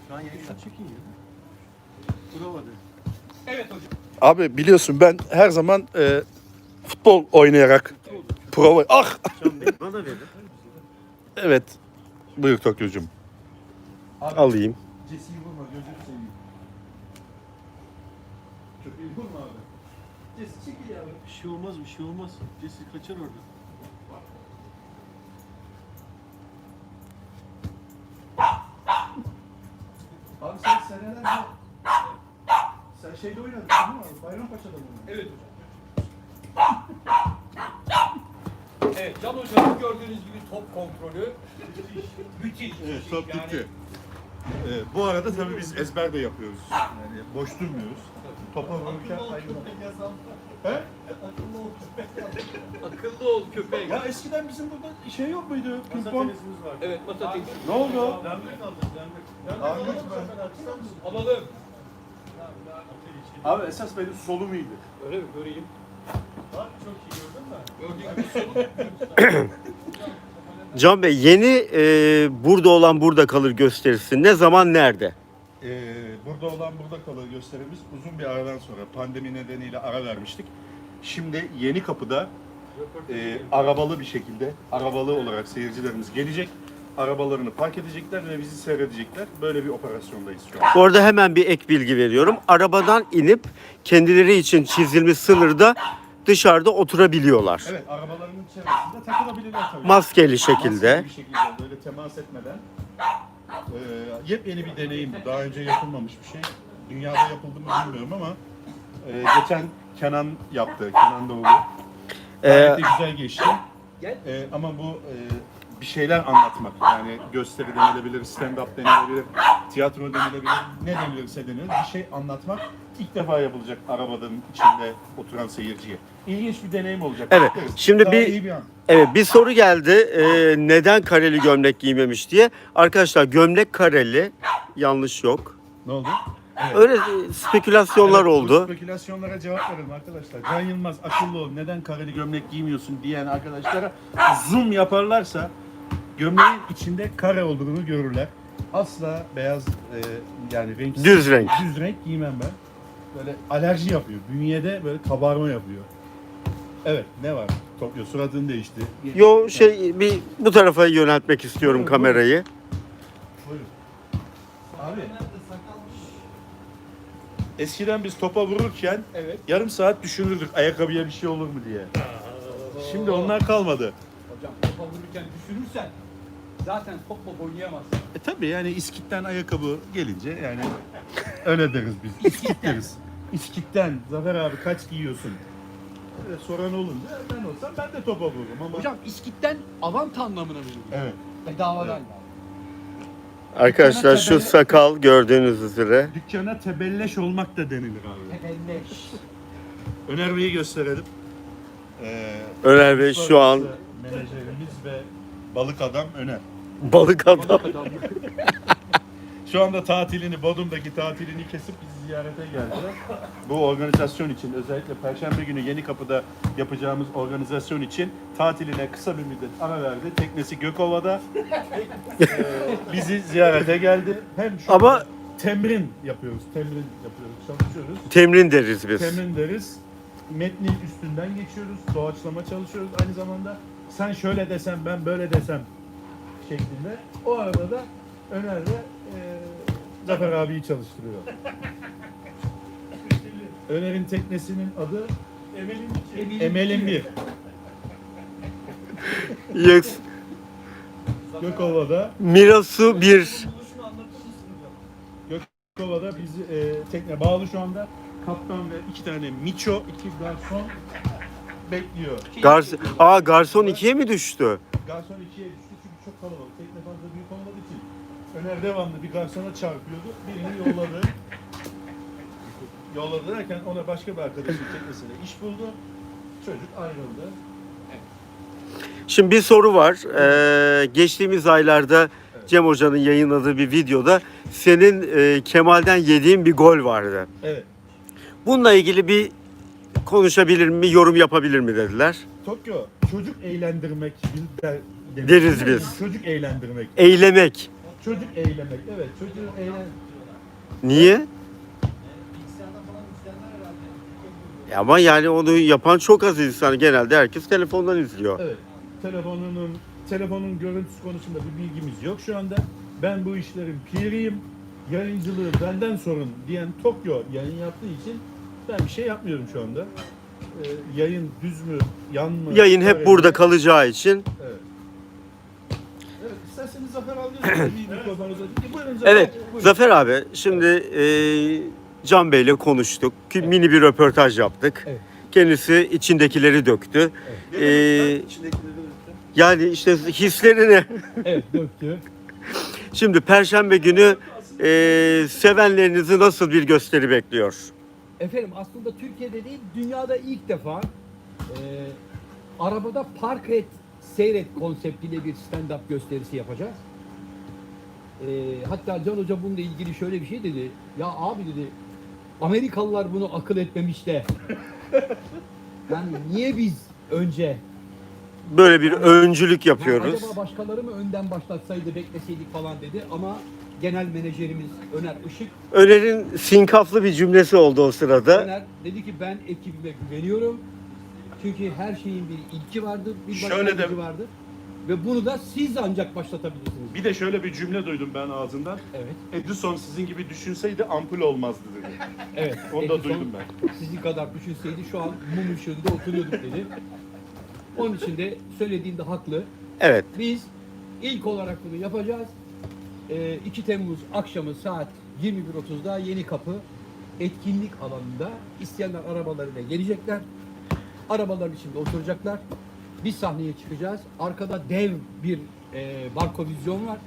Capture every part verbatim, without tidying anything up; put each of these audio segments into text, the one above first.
Şu an yayında. Çekin ya. Bravo de. Evet hocam. Abi biliyorsun ben her zaman e, futbol oynayarak prova... Ah! Bana da verin. Evet. Buyur Tokyo'cum. Alayım. Cesi'yi vurma, gözünü seveyim. Köpeği vurma abi. Cesi çekil ya. Bir şey olmaz, bir şey olmaz. Cesi kaçar orada. Abi sen senelerce... Sen şeyde oynadın değil mi abi? Bayrampaşa'da mı oynadın? Evet hocam. Evet, Can Hoca'nın gördüğünüz gibi top kontrolü müthiş. Evet, top Yani gitti. Ee, bu arada tabii biz ezber de yapıyoruz. Yani boş durmuyoruz. Topa vururken ayrılmak. He? akıllı ol köpek. akıllı ol köpek. Ya eskiden bizim burada şey yok muydu? Masa Pimpon. tenisimiz var. Evet, masa tenisi. Ne oldu? Dernek aldık, dernek. Dernek Dernek alalım mı? Alalım. Abi esas benim solum iyiydi. Öyle mi? Göreyim. Bak çok iyi gördün mü? Gördüğün gibi sorun. Can Bey, yeni e, burada olan burada kalır gösterisi ne zaman nerede? Ee, burada olan burada kalır gösterimiz uzun bir aradan sonra pandemi nedeniyle ara vermiştik. Şimdi Yeni Kapı'da e, arabalı bir şekilde, arabalı olarak seyircilerimiz gelecek. Arabalarını park edecekler ve bizi seyredecekler. Böyle bir operasyondayız şu an. Bu arada hemen bir ek bilgi veriyorum. Arabadan inip kendileri için çizilmiş sınırda dışarıda oturabiliyorlar. Evet, arabaların içerisinde takılabilirler tabii. Maskeli şekilde. Maskeli bir şekilde, böyle temas etmeden. Ee, yepyeni bir deneyim bu. Daha önce yapılmamış bir şey. Dünyada yapıldı mı bilmiyorum ama e, geçen Kenan yaptı, Kenan Doğulu. Gayet de güzel geçti. Ee, ama bu e, bir şeyler anlatmak. Yani gösteri denilebilir, stand-up denilebilir, tiyatro denilebilir, ne denilirse denilir. Bir şey anlatmak ilk defa yapılacak arabanın içinde oturan seyirciye. İlginç bir deneyim olacak. Evet, Bekleriz. şimdi Daha bir- iyi bir an. Evet, bir soru geldi. E, neden kareli gömlek giymemiş diye. Arkadaşlar, gömlek kareli. Yanlış yok. Ne oldu? Öyle e, spekülasyonlar Evet, bu oldu. spekülasyonlara cevap verelim arkadaşlar. Can Yılmaz akıllı ol, neden kareli gömlek giymiyorsun diyen arkadaşlara zoom yaparlarsa gömleğin içinde kare olduğunu görürler. Asla beyaz e, yani renk Düz renk. düz renk giymem ben. Böyle alerji yapıyor. Bünyede böyle kabarma yapıyor. Evet, ne var? Tokyo suratın değişti. Yo şey bir bu tarafa yöneltmek istiyorum Buyurun, kamerayı. Buyurun. Abi. Eskiden biz topa vururken Evet. yarım saat düşünürdük ayakkabıya bir şey olur mu diye. Şimdi onlar kalmadı. Hocam topa vururken düşürürsen zaten topla oynayamazsın. E tabii yani iskitten ayakkabı gelince yani öyle deriz biz. İskit deriz. İskitten Zafer abi kaç giyiyorsun? Öyle soran olunca ben olsam ben de topa vururum ama. Hocam iskitten avant anlamına veriyor. Evet. Bedavadan Evet. yani. Arkadaşlar şu sakal gördüğünüz üzere. Dükkana tebelleş olmak da denilir abi. Tebelleş. Öner Bey'i gösterelim. Ee, Öner Bey şu an menajerimiz ve balık adam Öner. balık adam. Şu anda tatilini, Bodrum'daki tatilini kesip bizi ziyarete geldiler. Bu organizasyon için, özellikle Perşembe günü Yeni Kapı'da yapacağımız organizasyon için tatiline kısa bir müddet ara verdi. Teknesi Gökova'da. Ee, bizi ziyarete geldi. Hem şu Ama- temrin yapıyoruz, temrin yapıyoruz, çalışıyoruz. Temrin deriz biz. Temrin deriz. Metnin üstünden geçiyoruz, doğaçlama çalışıyoruz. Aynı zamanda sen şöyle desem, ben böyle desem şeklinde. O arada da Öner ve e, Zafer abiyi çalıştırıyor. Öner'in teknesinin adı Emel'in iki. Emel'in bir. Yes. Gökova'da, Mirasu bir. Buluşunu anlatır mısın hocam? Gökova'da bizi e, tekne bağlı şu anda. Kaptan ve iki tane miço, iki garson bekliyor. Gars Aa garson ikiye mi düştü? Garson ikiye düştü çünkü çok kalabalık. Tekne fazla büyük olmadığı için. Öner devamlı bir garsona çarpıyordu. Birini yolladı. yolladı derken ona başka bir arkadaşın teknesine iş buldu. Çocuk ayrıldı. Şimdi bir soru var. Ee, geçtiğimiz aylarda Cem Hoca'nın yayınladığı bir videoda senin e, Kemal'den yediğin bir gol vardı. Evet. Bununla ilgili bir konuşabilir mi, yorum yapabilir mi dediler. Tokyo çocuk eğlendirmek der, demek. Deriz biz. Çocuk eğlendirmek. Eylemek. Çocuk eğlemek. Evet, çocuğu eğlen. Niye? Ya ama yani onu yapan çok az insan. Genelde herkes telefondan izliyor. Evet. Telefonunun telefonun görüntüsü konusunda bir bilgimiz yok şu anda. Ben bu işlerin piriyim. Yayıncılığı benden sorun diyen Tokyo yayın yaptığı için ben bir şey yapmıyorum şu anda. Ee, yayın düz mü, yan mı? Yayın hep öyle burada mi? kalacağı için. Evet. Evet, isterseniz Zafer alıyorsunuz. Bir mikrofonunuza. Buyurun Zafer. Evet, Buyurun. Zafer abi, şimdi e, Can Bey'le konuştuk. Ki Mini bir röportaj yaptık. Evet. Kendisi içindekileri döktü. Ne Ee, demek lan? İçindekileri de- Yani işte hislerini. Evet döktü. Şimdi Perşembe günü e, sevenlerinizi nasıl bir gösteri bekliyor? Efendim aslında Türkiye'de değil dünyada ilk defa e, arabada park et seyret konseptiyle bir stand-up gösterisi yapacağız. E, hatta Can Hoca bununla ilgili şöyle bir şey dedi. Ya abi dedi Amerikalılar bunu akıl etmemiş de. Yani niye biz önce Böyle bir öncülük ya yapıyoruz. acaba başkaları mı önden başlatsaydı bekleseydik falan dedi ama genel menajerimiz Öner Işık Öner'in sinkaflı bir cümlesi oldu o sırada. Öner dedi ki ben ekibime güveniyorum. Çünkü her şeyin bir ilki vardır, bir Şöyle de- başlangıcı vardır. Ve bunu da siz ancak başlatabilirsiniz. Bir de şöyle bir cümle duydum ben ağzından. Evet, Edison sizin gibi düşünseydi ampul olmazdı dedi. evet. Onu da Edison duydum ben. Sizin kadar düşünseydi şu an mum ışığında oturuyorduk dedi. Onun için de söylediğinde haklı. Evet. Biz ilk olarak bunu yapacağız. Ee, iki Temmuz akşamı saat yirmi bir otuzda Yeni Kapı etkinlik alanında isteyenler arabalarıyla gelecekler. Arabaların içinde oturacaklar. Biz sahneye çıkacağız. Arkada dev bir e, barkovizyon var.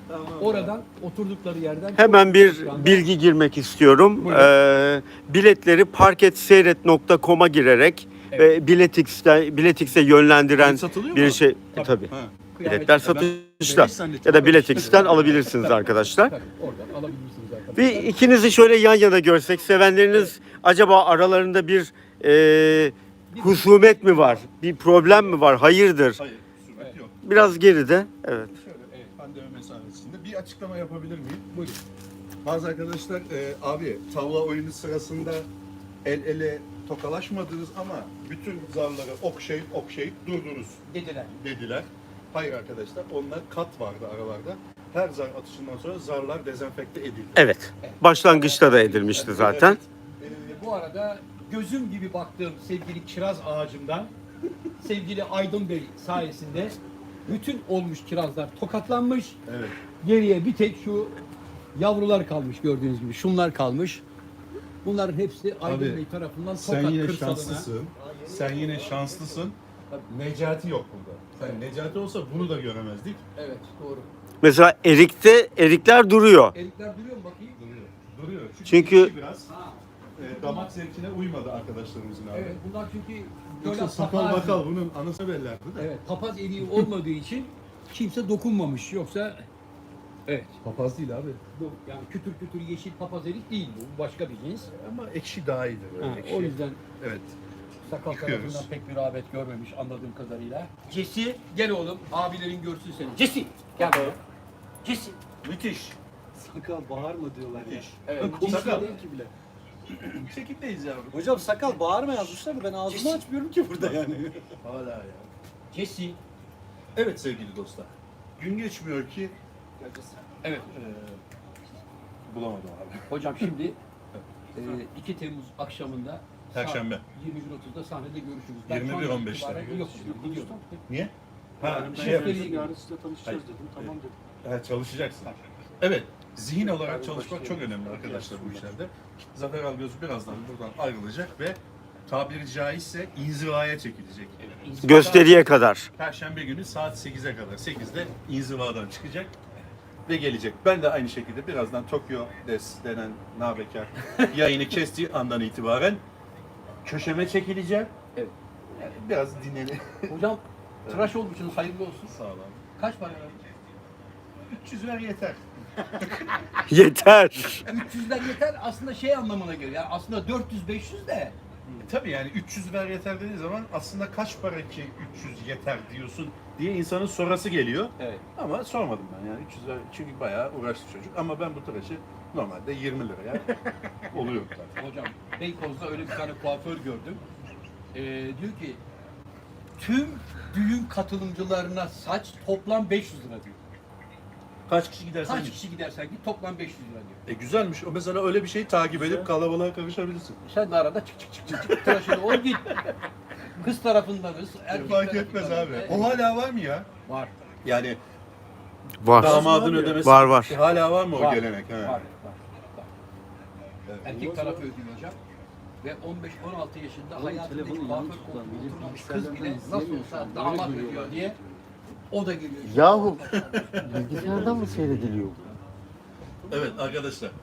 Oradan oturdukları yerden Hemen bir şu anda- bilgi girmek istiyorum. Buyurun. Ee, biletleri parketseyret nokta com'a girerek Evet. ve Biletix'te Biletix'e yönlendiren Bilet satılıyor bir mu? şey. Tabii. Tabii. Ha. Kıyamet- Biletler satışta. Ya da Biletix'ten alabilirsiniz arkadaşlar. Tabii, oradan alabilirsiniz arkadaşlar. Bir ikinizi şöyle yan yana görsek, sevenleriniz acaba aralarında bir e, husumet mi var? Bir problem mi var? Hayırdır? Hayır, husumet yok. Biraz geride. Evet. Şöyle pandemi mesafesinde bir açıklama yapabilir miyim? Buyurun. Bazı arkadaşlar e, abi tavla oyunu sırasında el ele tokalaşmadınız ama bütün zarları okşayıp okşayıp durdunuz Dediler. dediler. Hayır arkadaşlar, onlar kat vardı aralarda. Her zar atışından sonra zarlar dezenfekte edildi. Evet. Başlangıçta da edilmişti zaten. Ee, bu arada gözüm gibi baktığım sevgili kiraz ağacımdan sevgili Aydın Bey sayesinde bütün olmuş kirazlar tokatlanmış. Evet. Geriye bir tek şu yavrular kalmış gördüğünüz gibi. Şunlar kalmış. Bunların hepsi Aydın Abi, Bey tarafından Sen Tokat yine kırsalına. şanslısın. Sen yine şanslısın. Necati yok burada. Sen Necati olsa bunu da göremezdik. Evet doğru. Mesela erikte erikler duruyor. Erikler duruyor mu bakayım? Duruyor. Duruyor. Çünkü- içi biraz Ha, e, damak zevkine uymadı arkadaşlarımızın abi. evet bunlar çünkü Yoksa böyle sakal papaz- bakal bunun anası bellerdi de. Evet papaz eriği olmadığı için kimse dokunmamış. Yoksa evet. Papaz değil abi. Bu yani kütür kütür yeşil papaz erik değil bu. Bu başka bir cins. Ama ekşi daha iyidir. Böyle Ha, ekşi. o yüzden Evet. sakal Yıkıyoruz. tarafından pek bir rağbet görmemiş anladığım kadarıyla. Cesi gel oğlum abilerin görsün seni. Cesi gel buraya. Cesi. Müthiş. Sakal bağırma diyorlar ya. Evet. Sakal. Cesi Değil ki bile. Çekimdeyiz yavrum. Hocam sakal bağırma yazmışlar da ben ağzımı açmıyorum ki burada yani. Hala ya. Cesi. Evet sevgili dostlar. Gün geçmiyor ki Evet. e, bulamadım abi. Hocam şimdi e, iki Temmuz akşamında Perşembe. saat yirmi bir otuzda sahnede görüşürüz. Ben yirmi bir şu andan on beşte. itibaren Yok, gidiyorum. Niye? Ha, Yani şey ben- yapıyorsun. yarın sizle tanışacağız Hayır. dedim. Tamam dedim. Ha, çalışacaksın. Evet. Zihin olarak Abi çalışmak çok başlayalım. önemli arkadaşlar bu işlerde. Zafer Algöz birazdan buradan ayrılacak ve tabiri caizse inzivaya çekilecek. Gösteriye kadar. Perşembe günü saat sekize kadar. sekizde inzivadan çıkacak ve gelecek. Ben de aynı şekilde birazdan Tokyo Des denen nabekar yayını kestiği andan itibaren köşeme çekileceğim. Evet. Yani biraz dinlenin. Hocam tıraş olmuşsunuz hayırlı olsun. Sağ olun. Kaç para verdin? üç yüz ver yeter. Yeter. üç yüzden yeter aslında şey anlamına geliyor. Yani aslında dört yüz beş yüz de tabii yani üç yüz ver yeter dediği zaman aslında kaç para ki üç yüz yeter diyorsun diye insanın sorası geliyor. Evet. Ama sormadım ben yani üç yüz ver çünkü bayağı uğraştı çocuk ama ben bu tıraşı normalde yirmi liraya oluyor zaten. Hocam Beykoz'da öyle bir tane kuaför gördüm. Ee, diyor ki tüm düğün katılımcılarına saç toplam beş yüz lira diyor. Kaç kişi gidersen Kaç git. kişi gidersen git toplam beş yüz lira diyor. E güzelmiş. O mesela öyle bir şey takip edip kalabalığa karışabilirsin. Sen de arada çık çık çık çık çık tıraşını ol git. Kız tarafındanız, erkek Fark etmez tarafındanız. abi. Evet. O hala var mı ya? Var. Yani Var. damadın ödemesi. Var, var. E, hala var mı o Var. gelenek? He. Var. Var. var. Evet. Erkek tarafı ödüyor hocam. Ve on beş on altı yaşında Ama hayatındaki telefonu kuaför yanlış kullan, koltuğuna bizim oturmamış bilgisayardan kız bile nasıl izlemiyor şu olsa anda, damat öyle ödüyor görüyorlar. diye o da geliyor. Yahu bilgisayardan mı seyrediliyor? Evet arkadaşlar.